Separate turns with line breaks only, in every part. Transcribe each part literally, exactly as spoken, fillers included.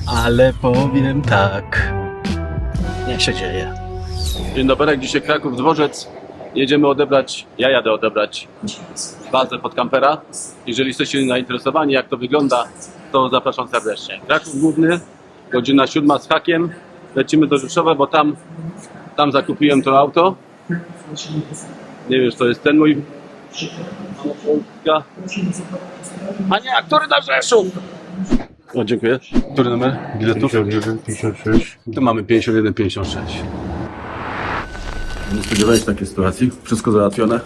ale powiem tak. Niech się dzieje. Dzień dobry, dzisiaj Kraków Dworzec. Jedziemy odebrać, ja jadę odebrać bazę pod kampera. Jeżeli jesteście zainteresowani, jak to wygląda, to zapraszam serdecznie. Kraków Główny, godzina siódma z hakiem. Lecimy do Rzeszowa, bo tam, tam zakupiłem to auto. Nie wiem, czy to jest ten mój... A nie, a który na Rzeszów? O, dziękuję. Który numer biletów?
pięćdziesiąt jeden pięćdziesiąt sześć.
Tu mamy pięćdziesiąt jeden pięćdziesiąt sześć. Nie spodziewałem się takiej sytuacji. Wszystko załatwione.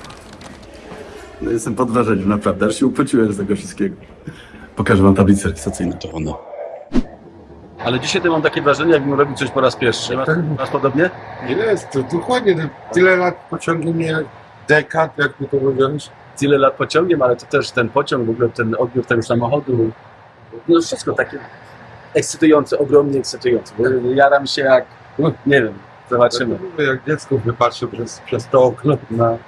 No jestem pod wrażeniem, naprawdę. Aż się upociłem z tego wszystkiego. Pokażę wam tablicę rejestracyjną. To ono. Ale dzisiaj to mam takie wrażenie, jakbym robił coś po raz pierwszy. Masz, masz podobnie?
Ile jest to? Dokładnie. Tyle lat pociągnie mnie jak dekad, jak by to mówiłeś.
Tyle lat pociągiem, ale to też ten pociąg, w ogóle ten odbiór tego samochodu. No wszystko takie ekscytujące, ogromnie ekscytujące. Bo jaram się jak, no, nie wiem, zobaczymy.
Jak dziecko wypatrzę przez, przez to okno.
No.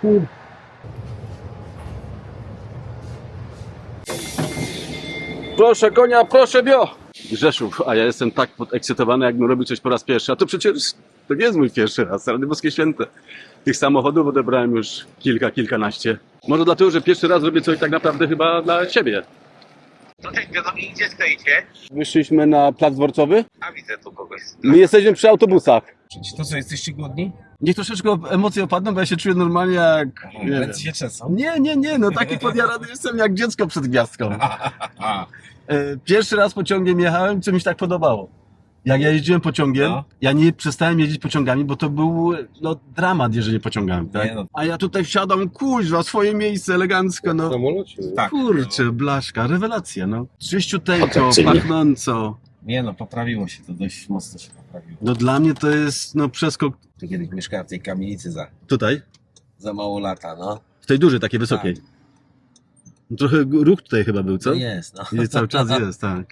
Proszę konia, proszę bio! Rzeszów, a ja jestem tak podekscytowany, jakbym robił coś po raz pierwszy. A to przecież to nie jest mój pierwszy raz, Rady Boskie Święte. Tych samochodów odebrałem już kilka, kilkanaście. Może dlatego, że pierwszy raz robię coś tak naprawdę chyba dla siebie.
No tak, wiadomo, gdzie stoicie?
Wyszliśmy na plac dworcowy.
A widzę tu kogoś.
My jesteśmy przy autobusach.
To co, jesteście głodni?
Niech troszeczkę emocje opadną, bo ja się czuję normalnie jak... Nie, wiem.
Ręce się trzęsą.
nie, nie, nie, no taki podjarany jestem jak dziecko przed gwiazdką. E, Pierwszy raz pociągiem jechałem, co mi się tak podobało. Jak ja jeździłem pociągiem,
No.
ja nie przestałem jeździć pociągami, bo to był no, dramat jeżdżenie pociągami, tak?
Nie, no.
A ja tutaj wsiadam, kuźwa, swoje miejsce elegancko,
W
no.
samolocie.
Tak.
Kurczę, blaszka, rewelacja, no. Czyściuteńko,
Atrakcyjnie.
pachnąco.
Nie no, poprawiło się to, dość mocno się poprawiło.
No dla mnie to jest, no, przeskok.
Tu kiedyś mieszkałem w tej kamienicy za,
Tutaj?
za mało lata, no.
W tej dużej, takiej wysokiej. No, trochę ruch tutaj chyba był, co?
To jest, no.
I cały czas jest, tak.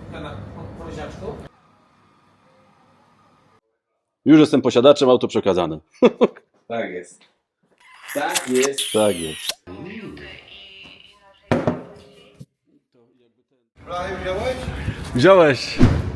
Już jestem posiadaczem, auto przekazane.
Tak jest. Tak jest.
Tak jest.
Wziąłeś?
Wziąłeś.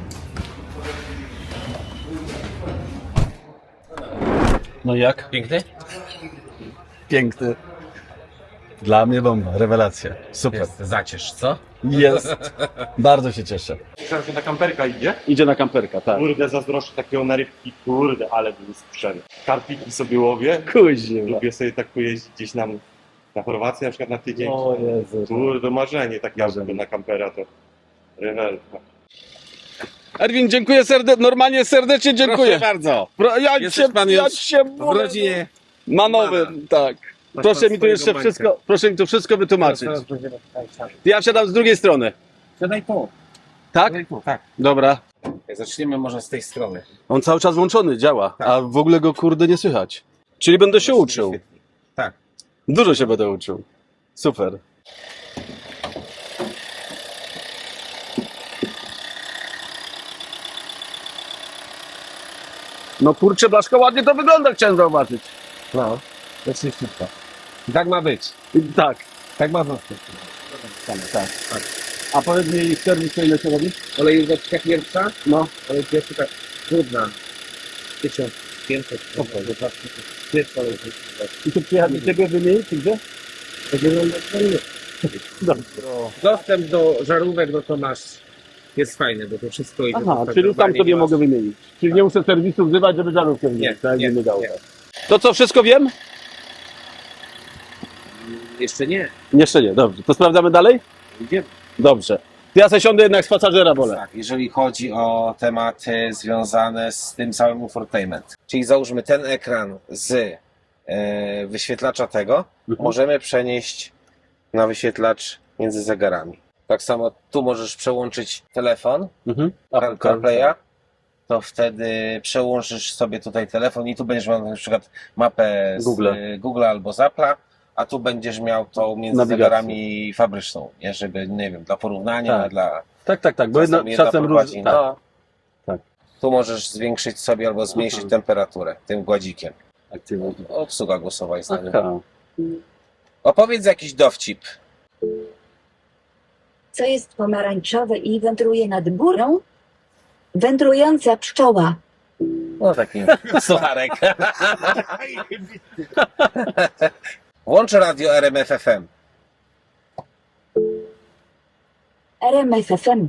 No jak?
Piękny?
Piękny. Dla mnie bomba, rewelacja. Super.
Jest, zacierz, co?
Jest. Bardzo się cieszę.
Teraz na kamperka idzie?
Idzie na kamperka, tak.
Kurde, zazdroszczę takiego na rybki, kurde, ale był sprzęt. Karpiki sobie łowię.
Kuźnie.
Lubię sobie tak pojeździć gdzieś na, na Chorwację na przykład na tydzień.
O Jezu.
Kurde, marzenie takie
Marzenie.
sobie na kampera to rewelka.
Erwin, dziękuję serdecznie, normalnie serdecznie dziękuję.
Proszę bardzo.
Pro, ja
Jesteś
cię,
pan
ja
już
cię
W rodzinie.
Manowy, tak.
Masz
Proszę
pan
mi tu
swojego
jeszcze
bańka.
wszystko, proszę mi tu wszystko wytłumaczyć.
Teraz będziemy tutaj siadać.
Ja wsiadam z drugiej strony.
Siadaj tu.
Tak?
Siadaj tu, tak.
Dobra.
Zaczniemy może z tej strony.
On cały czas włączony, działa,
Tak.
a w ogóle go kurde nie słychać. Czyli będę się uczył.
Wyświetli. Tak.
Dużo się będę uczył. Super. No kurczę, Blaszko, ładnie to wygląda, chciałem zauważyć.
No. To jest szybko. Tak ma być.
Tak,
Tak ma być.
tak, tak. tak. A powiedz mi, serwis to ile się robi?
Olejóweczka pierwsza.
No.
Ale pierwsza tak trudna. tysiąc pięćset. Pierwsza olejóweczka.
I tu przyjechać do ciebie wymienić, czy gdzie?
To wygląda fajnie. Dostęp do żarówek, no to masz, jest fajny, bo to wszystko idzie.
Aha,
do
czyli tam
sterowania,
sobie
nie
mogę
masz-
wymienić. Czyli nie muszę serwisu wzywać, żeby żarówkę wymienić.
Nie,
tak
nie,
nie dało.
nie.
To co, wszystko wiem?
Jeszcze nie.
Jeszcze nie, dobrze. To sprawdzamy dalej?
Idziemy.
Dobrze. Ja se siądę jednak z pasażera, wolę.
Tak, jeżeli chodzi o tematy związane z tym całym infotainment. Czyli załóżmy ten ekran z e, wyświetlacza tego,
Mhm.
możemy przenieść na wyświetlacz między zegarami. Tak samo tu możesz przełączyć telefon,
Mhm.
Car- CarPlaya, to wtedy przełączysz sobie tutaj telefon i tu będziesz miał na przykład mapę z
Google.
Google, Google albo z Apple'a, a tu będziesz miał tą między
Nawigację.
zegarami fabryczną, nie? Żeby, nie wiem, dla porównania,
Tak.
dla...
Tak, tak, tak, bo
Czasem
jedno,
jedna
czasem
prowadzi,
różnie.
no.
Tak. Tak.
Tu możesz zwiększyć sobie albo zmniejszyć
Aha.
temperaturę tym gładzikiem.
Aktywnie.
Obsługa głosowa jest na nim.
Aha.
Opowiedz jakiś dowcip.
Co jest pomarańczowe i wędruje nad górą? Wędrująca pszczoła.
No taki sucharek. Włącz radio R M F F M.
R M F F M.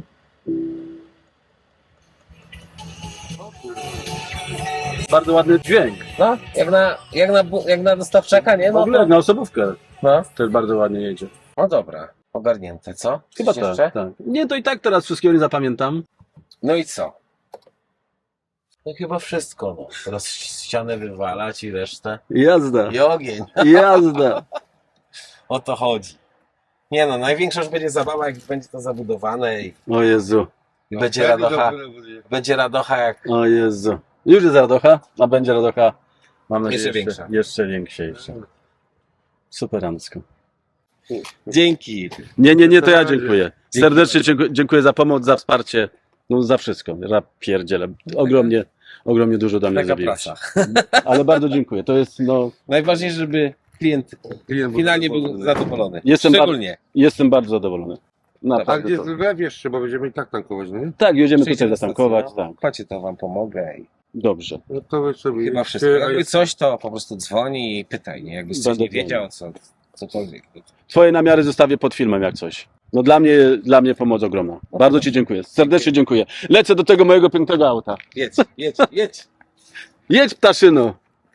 Bardzo ładny dźwięk.
No, jak na, jak na, bu- jak na dostawczaka, nie?
W
No,
ogóle
to,
na osobówkę
no.
też bardzo ładnie jedzie.
no dobra, ogarnięte, co?
Chyba
Coś
tak,
jeszcze?
tak. Nie, to i tak teraz wszystkiego nie zapamiętam.
No i co? No chyba wszystko, no. Teraz ścianę wywalać i resztę.
Jazda,
I ogień.
jazda.
O to chodzi. Nie no, największa już będzie zabawa, jak będzie to zabudowane i
O Jezu,
będzie radocha, będzie radocha jak...
o Jezu. Już jest radocha, a będzie radocha, mam nadzieję,
Jeszcze większa.
Jeszcze większa. Superancko.
Dzięki.
Nie, nie, nie, to ja dziękuję. Serdecznie dziękuję, dziękuję za pomoc, za wsparcie, no za wszystko. Ja pierdzielę. Ogromnie, ogromnie dużo dla mnie
Taka
zrobiłeś.
praca.
Ale bardzo dziękuję. To jest, no,
Najważniejsze, żeby klient finalnie był zadowolony.
Jestem
Szczególnie.
jestem bardzo zadowolony.
A
Naprawdę
gdzie
to.
zlew jeszcze, bo będziemy i tak tankować, nie?
Tak, jedziemy
Przyjdzie
tutaj
na
zatankować,
stację,
tak.
Chodźcie, to wam pomogę. I
Dobrze. No to wy sobie
chyba
idźcie,
wszystko.
a
Jakby
ja-
coś, to po prostu dzwoni i pytaj, nie? Jakbyś coś
Będę
nie wiedział, co, cokolwiek.
Twoje namiary zostawię pod filmem jak coś. No dla mnie, dla mnie pomoc ogromna. Bardzo Ci dziękuję. Serdecznie dziękuję. Lecę do tego mojego pięknego auta.
Jedź, jedź, jedź.
Jedź, ptaszyno!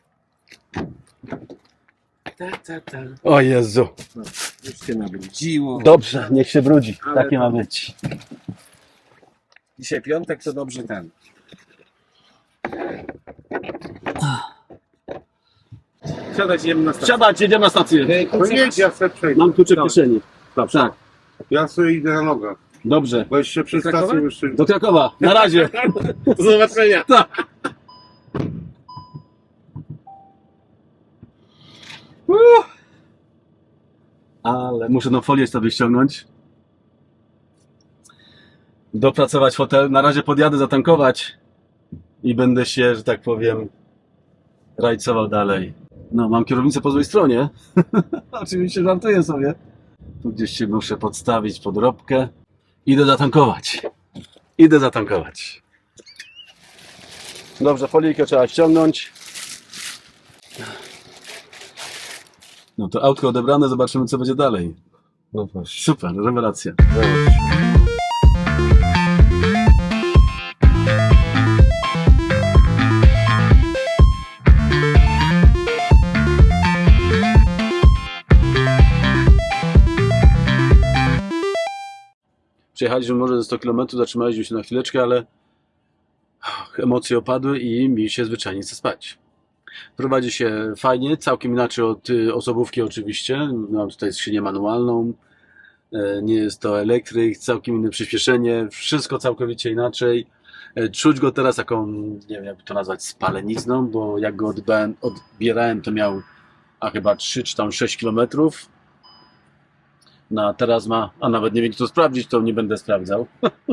O Jezu.
Już się nabrudziło.
Dobrze, niech się brudzi. Takie ma być.
Dzisiaj piątek, to dobrze ten. Siadać, idziemy na stację.
Siadać, jedziemy na stację.
No jedź, ja sobie przejdę.
Mam klucze w kieszeni. Tak,
Ja sobie idę na nogach.
dobrze.
Bo jeszcze przy
Do Krakowa?
stacji jeszcze...
Do Krakowa. Na razie.
Do zobaczenia.
Tak. Ale muszę tą folię sobie ściągnąć. Dopracować fotel. Na razie podjadę zatankować i będę się, że tak powiem, rajcował dalej. No, mam kierownicę po złej stronie. Oczywiście żartuję sobie. Tu gdzieś się muszę podstawić podrobkę. Idę zatankować. Idę zatankować. Dobrze, folijkę trzeba ściągnąć. No to autko odebrane, zobaczymy co będzie dalej.
No właśnie.
Super, rewelacja. Przejechaliśmy może ze sto kilometrów, zatrzymaliśmy się na chwileczkę, ale emocje opadły i mi się zwyczajnie chce spać. Prowadzi się fajnie, całkiem inaczej od y, osobówki oczywiście. Mam tutaj skrzynię manualną, e, nie jest to elektryk, całkiem inne przyspieszenie, wszystko całkowicie inaczej. E, Czuć go teraz taką, nie wiem jakby to nazwać, spalenizną, bo jak go odbierałem, odbierałem to miał a chyba trzy czy tam sześć kilometrów. No a teraz ma, a nawet nie wiem co sprawdzić, to nie będę sprawdzał.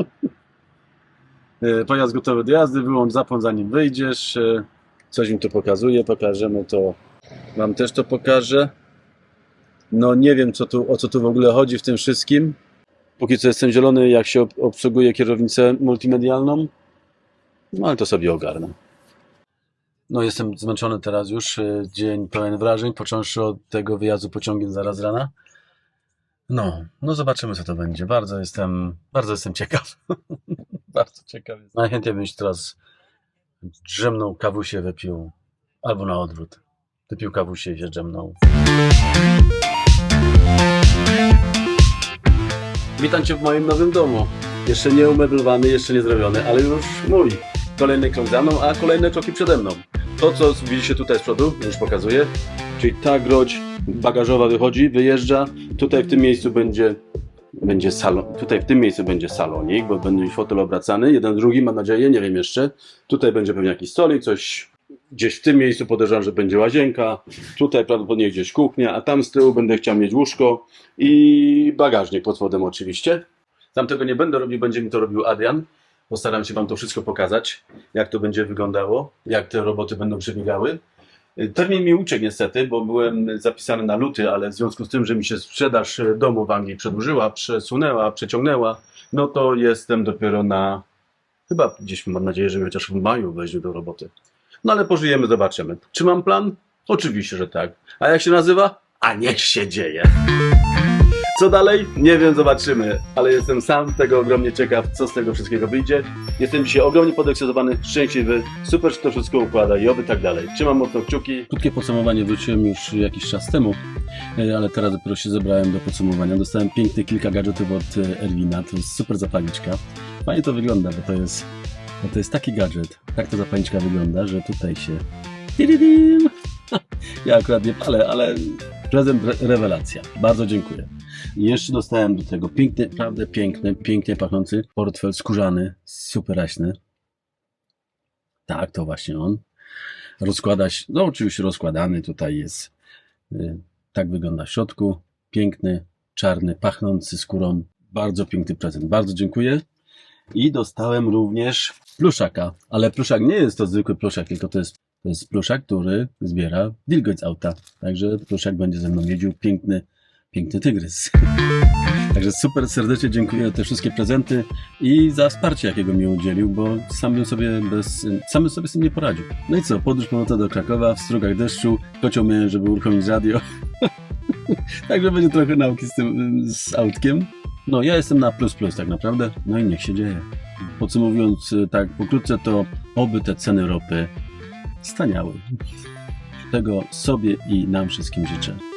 E, Pojazd gotowy do jazdy, wyłącz zapłon zanim wyjdziesz. E, Coś mi tu pokazuje, pokażemy to, wam też to pokażę. No nie wiem co tu, o co tu w ogóle chodzi w tym wszystkim. Póki co jestem zielony, jak się ob- obsługuje kierownicę multimedialną. No ale to sobie ogarnę. No jestem zmęczony teraz już, e, dzień pełen wrażeń, począwszy od tego wyjazdu pociągiem zaraz z rana. No, no zobaczymy co to będzie. Bardzo jestem, bardzo jestem ciekaw. Bardzo ciekaw jestem. Najchętniej bym się teraz drzemną kawusię wypił, albo na odwrót. Wypił kawusię i się drzemnął. Witam Cię w moim nowym domu. Jeszcze nie umeblowany, jeszcze nie zrobiony, ale już mój. Kolejny krok za mną, a kolejne kroki przede mną. To, co widzicie tutaj z przodu, już pokazuję, czyli ta groź bagażowa wychodzi, wyjeżdża. Tutaj w tym miejscu będzie, będzie salon, tutaj w tym miejscu będzie salonik, bo będzie fotel obracany, jeden drugi, mam nadzieję, nie wiem jeszcze. Tutaj będzie pewnie jakiś stolik, coś gdzieś w tym miejscu podejrzewam, że będzie łazienka. Tutaj prawdopodobnie gdzieś kuchnia, a tam z tyłu będę chciał mieć łóżko i bagażnik pod spodem oczywiście. Tam tego nie będę robił, będzie mi to robił Adrian. Postaram się Wam to wszystko pokazać, jak to będzie wyglądało, jak te roboty będą przebiegały. Termin mi uciekł niestety, bo byłem zapisany na luty, ale w związku z tym, że mi się sprzedaż domu w Anglii przedłużyła, przesunęła, przeciągnęła, no to jestem dopiero na Chyba gdzieś mam nadzieję, że chociaż w maju weźmie do roboty. No ale pożyjemy, zobaczymy. Czy mam plan? Oczywiście, że tak. A jak się nazywa? A niech się dzieje. Co dalej? Nie wiem, zobaczymy. Ale jestem sam tego ogromnie ciekaw, co z tego wszystkiego wyjdzie. Jestem dzisiaj ogromnie podekscytowany, szczęśliwy, super się to wszystko układa i oby tak dalej. Trzymam mocno kciuki. Krótkie podsumowanie wróciłem już jakiś czas temu, ale teraz dopiero się zebrałem do podsumowania. Dostałem piękne kilka gadżetów od Erwina. To jest super zapalniczka. Fajnie to wygląda, bo to jest, bo to jest taki gadżet. Tak ta zapalniczka wygląda, że tutaj się... Tiridim! Ja akurat nie palę, ale prezent re rewelacja. Bardzo dziękuję. I jeszcze dostałem do tego piękny, naprawdę piękny, pięknie pachnący portfel skórzany, superaśny. Tak, to właśnie on. Rozkłada się, no oczywiście rozkładany, tutaj jest, y, tak wygląda w środku. Piękny, czarny, pachnący skórą. Bardzo piękny prezent, bardzo dziękuję. I dostałem również pluszaka, ale pluszak nie jest to zwykły pluszak, tylko to jest, to jest pluszak, który zbiera wilgoć z auta. Także pluszak będzie ze mną jeździł, piękny, piękny tygrys. Także super serdecznie dziękuję za te wszystkie prezenty i za wsparcie, jakiego mi udzielił, bo sam bym sobie bez, sam bym sobie z tym nie poradził. No i co, podróż pomocna do Krakowa w strugach deszczu, kocioł miałem, żeby uruchomić radio. Także będzie trochę nauki z tym, z autkiem. No ja jestem na plus plus tak naprawdę, no i niech się dzieje. Podsumowując tak pokrótce, to oby te ceny ropy staniały. Tego sobie i nam wszystkim życzę.